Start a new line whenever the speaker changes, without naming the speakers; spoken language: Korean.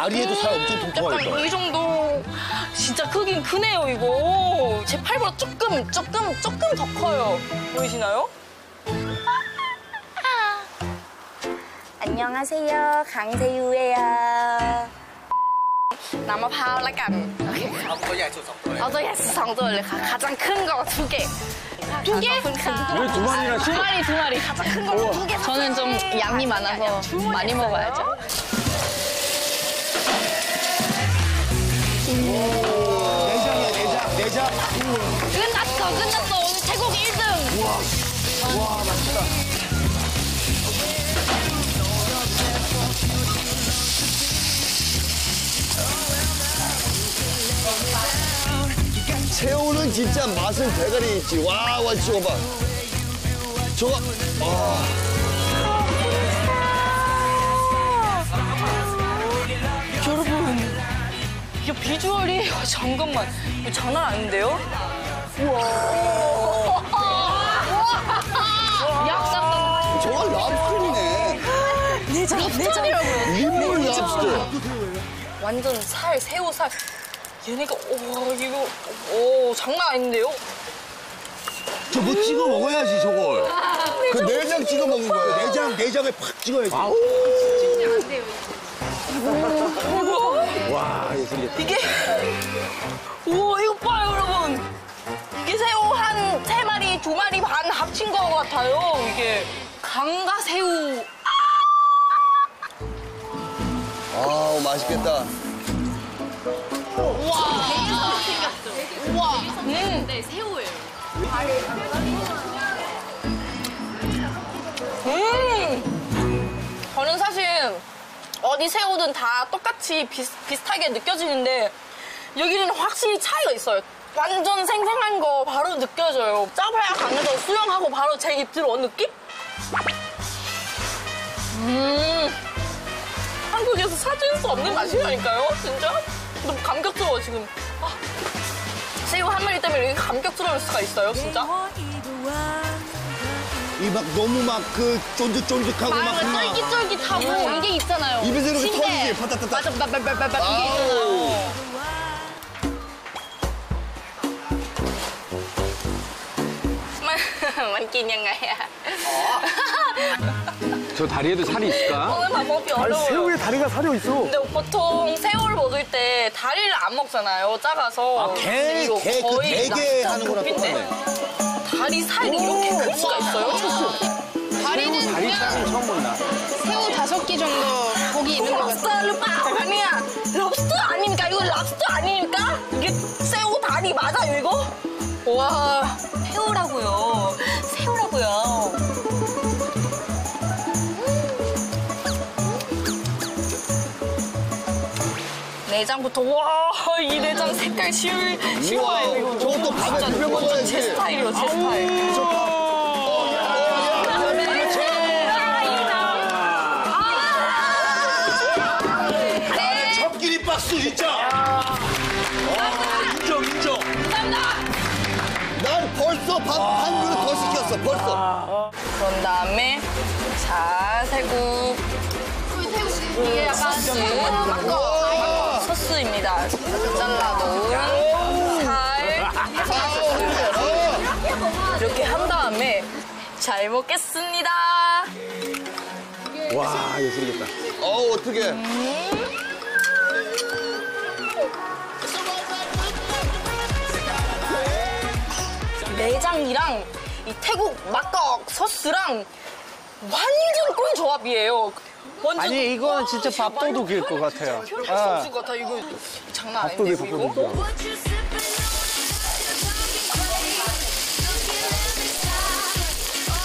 다리에도 살 엄청 통통할
약간
거야.
이 정도. 진짜 크긴 크네요, 이거. 제 팔보다 조금 더 커요. 보이시나요? 안녕하세요, 강세유예요. นำมะพร้าวละกันโอเคครับตัวใหญ่สุด2ตัวเอาตัวใหญ่สุด2ตัวเลยค่ะ 가장 큰 거 2개. 2개?
왜 2마리나씩?
2마리. 가장 큰 거 2개. 저는 좀 양이 많아서 많이 먹어야죠.
내장.
끝났어. 오늘 태국 1등.
와, 맛있다. 새우는 진짜 맛은 대가리 있지. 와, 저거 봐. 저거,
여러분, 이게 비주얼이 잠깐만, 이거 장난 아닌데요? 우와. 약간
저거 랍스터이네.
랍스터라고요.
일본 랍스터.
완전 새우 살. 얘네가 이거 장난 아닌데요?
저 뭐 찍어 먹어야지, 저걸. 그 내장 찍어 먹는 거야. 내장에 팍 찍어야지. 와, 예술이겠다.
이게 우와 이거 봐요 여러분. 이게 새우 한 3마리, 2마리 반 합친 거 같아요. 이게 강가 새우.
아우, 맛있겠다.
우와. 우와.
네, 새우예요.
저는 사실 어디 새우든 다 똑같이 비슷하게 느껴지는데 여기는 확실히 차이가 있어요. 완전 생생한 거 바로 느껴져요. 짜파야 강에서 수영하고 바로 제 입 들어온 느낌? 한국에서 찾을 수 없는 맛이라니까요, 진짜? 너무 감격스러워, 지금. 새우 한 마리 때문에 이렇게 감격스러울 수가 있어요, 진짜?
이 막 너무 막 그 쫀득쫀득하고 막.
쫄깃쫄깃하고 이게 있잖아요.
입에서 이렇게
신기해.
터지지, 파타타타.
맞아, 이게 있잖아요. 만กินยังไงอะ
저 다리에도 살이 있을까?
먹는 방법이 어려워요.
새우에 다리가 사려 있어.
근데 보통 새우를 먹을 때 다리를 안 먹잖아요, 작아서. 근데 이거
그
거의
대게
랍스터
하는 거랑
높인데
똑같네.
다리 살이 이렇게 클 수가 있어요?
다리는
다리
그냥
살은 처음 본다.
새우 5개 정도 고기 있는 것 같아요.
랍스터를 빡 아니야. 랍스터 아닙니까? 이거 랍스터 아닙니까? 이게 새우 다리 맞아요, 이거? 와, 새우라고요. 내장부터 와, 이 내장 색깔 쉬워요. 이거.
저것도 밥에 비벼 먹어야지.
제 스타일이요, 제 스타일.
첫끼리 박수 진짜. 인정. 난 벌써 밥 한 그릇 더 시켰어, 벌써.
그런 다음에 자, 새우
이게 약간
우와.
소스입니다. 잘라놓은 살 이렇게 한 다음에 잘 먹겠습니다.
와, 예술이겠다.
어떻게.
내장이랑 이 태국 막국 소스랑 완전 꿀 조합이에요. 완전
아니, 이거는 진짜 밥도둑일 것 같아요.
할수 없을 것 같아. 이거 장난 아닌데 이거.